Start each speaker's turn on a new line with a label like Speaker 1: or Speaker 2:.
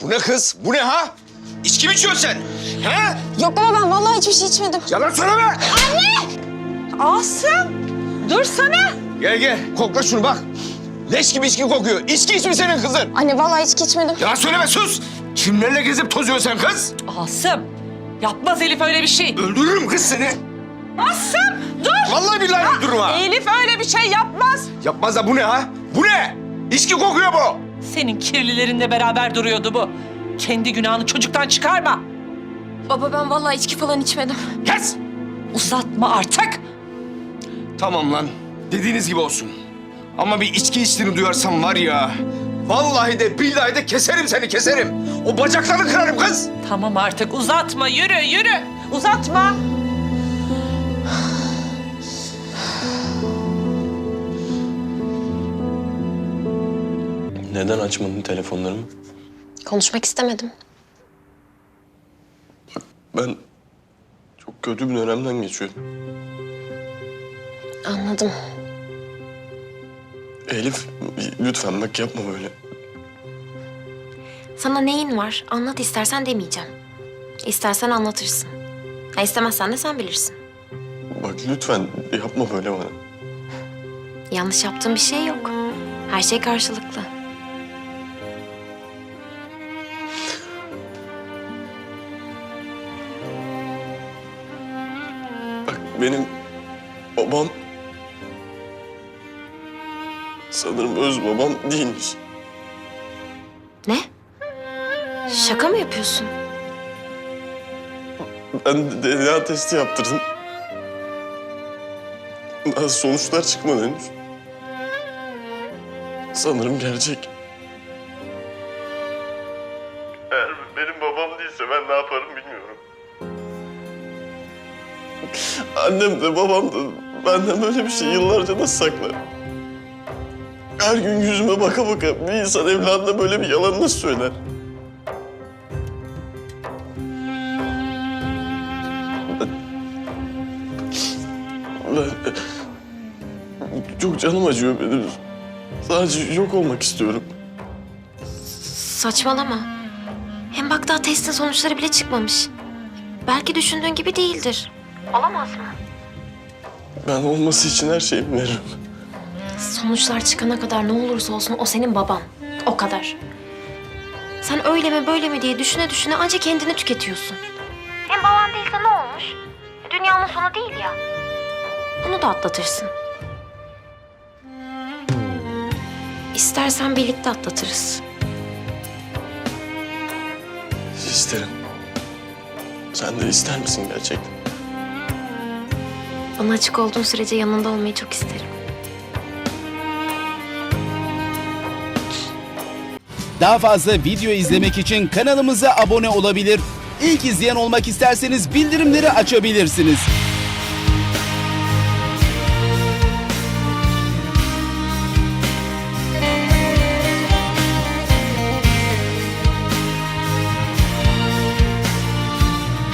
Speaker 1: Bu ne kız? Bu ne ha? İçki mi içiyorsun sen? He?
Speaker 2: Yok baba ben vallahi hiçbir şey içmedim.
Speaker 1: Yalan söyleme.
Speaker 3: Asım, dursana.
Speaker 1: Gel gel. Kokla şunu bak. Leş gibi içki kokuyor. İçki içmiş senin kızın.
Speaker 2: Anne vallahi içki içmedim.
Speaker 1: Yalan söyleme sus. Kimlerle gezip tozuyorsun sen kız?
Speaker 3: Asım, yapmaz Elif öyle bir şey.
Speaker 1: Öldürürüm kız seni.
Speaker 3: Asım, dur.
Speaker 1: Vallahi billahi öldürürüm ha.
Speaker 3: Elif öyle bir şey yapmaz.
Speaker 1: Yapmaz da bu ne ha? Bu ne? İçki kokuyor bu.
Speaker 3: Senin kirlilerinle beraber duruyordu bu. Kendi günahını çocuktan çıkarma.
Speaker 2: Baba ben vallahi içki falan içmedim.
Speaker 1: Kes.
Speaker 3: Uzatma artık.
Speaker 1: Tamam lan. Dediğiniz gibi olsun. Ama bir içki içtiğini duyarsam var ya... Vallahi de billahi de keserim seni keserim. O bacaklarını kırarım kız.
Speaker 3: Tamam artık uzatma, yürü yürü. Uzatma.
Speaker 4: Neden açmadın telefonlarımı?
Speaker 2: Konuşmak istemedim.
Speaker 4: Ben çok kötü bir dönemden geçiyorum.
Speaker 2: Anladım.
Speaker 4: Elif lütfen bak yapma böyle.
Speaker 2: Sana neyin var? Anlat istersen demeyeceğim. İstersen anlatırsın. Ha, istemezsen de sen bilirsin.
Speaker 4: Bak lütfen yapma böyle bana.
Speaker 2: Yanlış yaptığım bir şey yok. Her şey karşılıklı.
Speaker 4: Bak benim babam sanırım öz babam değilmiş.
Speaker 2: Ne? Şaka mı yapıyorsun?
Speaker 4: Ben DNA testi yaptırdım. Daha sonuçlar çıkmadı henüz. Sanırım gerçek. Eğer benim babam değilse ben ne yaparım bilmiyorum. Annem de babam da benden böyle bir şey yıllarca nasıl saklar? Her gün yüzüme baka baka bir insan evladına böyle bir yalan nasıl söyler? Ben çok canım acıyor benim. Sadece yok olmak istiyorum.
Speaker 2: Saçmalama. Hem bak daha testin sonuçları bile çıkmamış. Belki düşündüğün gibi değildir. Olamaz mı?
Speaker 4: Ben olması için her şeyimi veririm.
Speaker 2: Sonuçlar çıkana kadar ne olursa olsun o senin baban. O kadar. Sen öyle mi böyle mi diye düşüne düşüne ancak kendini tüketiyorsun. Hem baban değilse ne olmuş? Dünyanın sonu değil ya. Bunu da atlatırsın. İstersen birlikte atlatırız.
Speaker 4: İsterim. Sen de ister misin gerçekten?
Speaker 2: Bana açık olduğun sürece yanında olmayı çok isterim.
Speaker 5: Daha fazla video izlemek için kanalımıza abone olabilir. İlk izleyen olmak isterseniz bildirimleri açabilirsiniz.